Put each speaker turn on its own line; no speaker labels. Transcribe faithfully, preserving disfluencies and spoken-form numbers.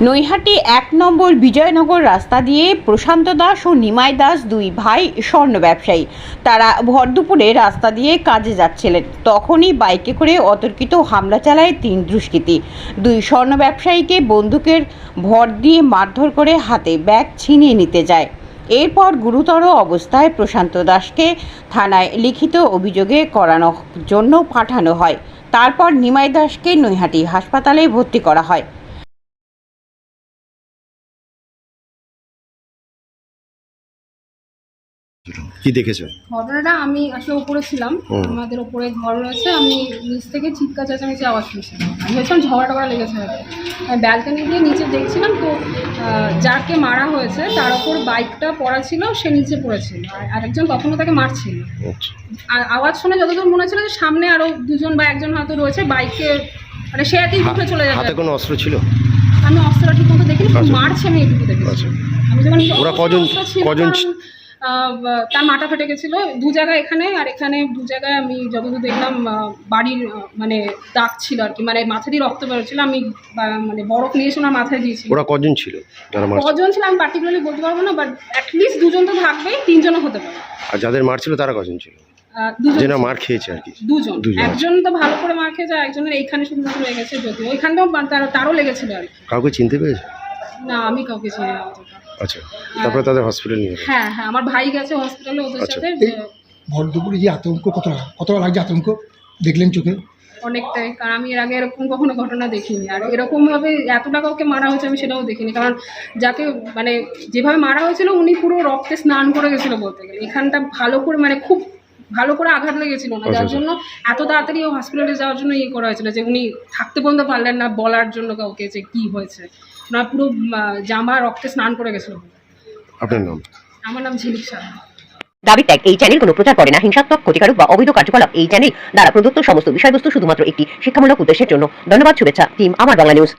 নৈহাটি এক নম্বর বিজয়নগর রাস্তা দিয়ে প্রশান্ত দাস ও নিমাই দাস দুই ভাই স্বর্ণ ব্যবসায়ী। তারা ভর দুপুরে রাস্তা দিয়ে কাজে যাচ্ছিলেন, তখনই বাইকে করে অতর্কিত হামলা চালায় তিন দুষ্কৃতী। দুই স্বর্ণ ব্যবসায়ীকে বন্দুকের ভর দিয়ে মারধর করে হাতে ব্যাগ ছিনিয়ে নিতে যায়। এরপর গুরুতর অবস্থায় প্রশান্ত দাসকে থানায় লিখিত অভিযোগে করানোর জন্য পাঠানো হয়। তারপর নিমাই দাসকে নৈহাটি হাসপাতালে ভর্তি করা হয়।
কি দেখেছো?
ঘটনাটা আমি আসলে উপরে ছিলাম, আমাদের উপরে ঘর রয়েছে, আমি নিচ থেকে চিৎকার চেঁচামেচি আওয়াজ শুনছিলাম। আমি ভেবেছিলাম ঝগড়া টগড়া লেগেছে হয়তো। আমি ব্যালকনি দিয়ে নিচে দেখছিলাম, তো যাকে মারা হয়েছে তার ওপর বাইকটা পড়া ছিল, সে নিচে পড়েছিল, আর আরেকজন তখনও তাকে মারছিল। আর আওয়াজ শুনে যতদূর মনে হচ্ছিল যে সামনে আরও দুজন বা একজন হয়তো রয়েছে বাইকে, মানে সে একই উঠে চলে যাবে।
হাতে কোনো অস্ত্র ছিল?
আমি অস্ত্রটা ঠিক মতো দেখিনি, মারছে আমি এটুকু দেখেছি। আমি যখন
ওরা কজন কজন
তার মাথা ফেটে গেছিলো দু জায়গায়, এখানে আর এখানে দু জায়গায়। আমি যতদূর দেখলাম বাড়ির মানে দাগ ছিল আর কি, মানে মাথা দিয়ে রক্ত বেরোচ্ছিল। আমি মানে বরফ নিয়ে এসে ওনার মাথায় দিয়েছি।
ওরা কজন ছিল?
কজন ছিল আমি পার্টিকুলারলি বলতে পারবো না, বাট অ্যাটলিস্ট দুজন তো থাকবেই, তিনজনও হতে পারে।
আর যাদের মারছিল তারা কজন ছিল? দুজন মার খেয়েছে আর কি।
দুজন, একজন তো ভালো করে মার খেয়েছে, একজনের এইখানে শুধুমাত্র লেগেছে, যদিও ওইখানটাও তারও লেগেছিল আর কি।
কাউকে চিনতে পেরেছে?
না, আমি কাউকে চিনি না।
আচ্ছা, তারপরে তাদের হসপিটাল নিয়ে গেছে?
হ্যাঁ হ্যাঁ, আমার ভাই গেছে হসপিটালে ওদের সাথে।
ভর দুপুরে যে আতঙ্ক, কতটা কতটা লাগছে আতঙ্ক দেখলেন চোখে?
অনেকটাই, কারণ আমি এর আগে এরকম কখনো ঘটনা দেখিনি, আর এরকমভাবে এতটা কাউকে মারা হয়েছে আমি সেটাও দেখিনি। কারণ যাকে মানে যেভাবে মারা হয়েছিল উনি পুরো রক্তে স্নান করে গেছিলো বলতে গেলে। এখানটা ভালো করে মানে খুব ভালো করে আঘাত লেগেছিল না, যার জন্য এত তাড়াতাড়ি ও হসপিটালে যাওয়ার জন্য ইয়ে করা হয়েছিল যে উনি থাকতে পর্যন্ত পারলেন না বলার জন্য কাউকে যে কী হয়েছে। ওনার পুরো জামা রক্তে স্নান করে গেছিলো।
আপনার নাম?
আমার নাম ঝিলিক সাহা।
দাবি ত্যাগ এই চ্যানেল কোনো প্রচার করে না হিংসাত্মক, ক্ষতিকারক বা অবৈধ কার্যকলাপ। এই চ্যানেল দ্বারা প্রদত্ত সমস্ত বিষয়বস্তু শুধুমাত্র একটি শিক্ষামূলক উদ্দেশ্যের জন্য। ধন্যবাদ। শুভেচ্ছা টিম আমার বাংলা নিউজ।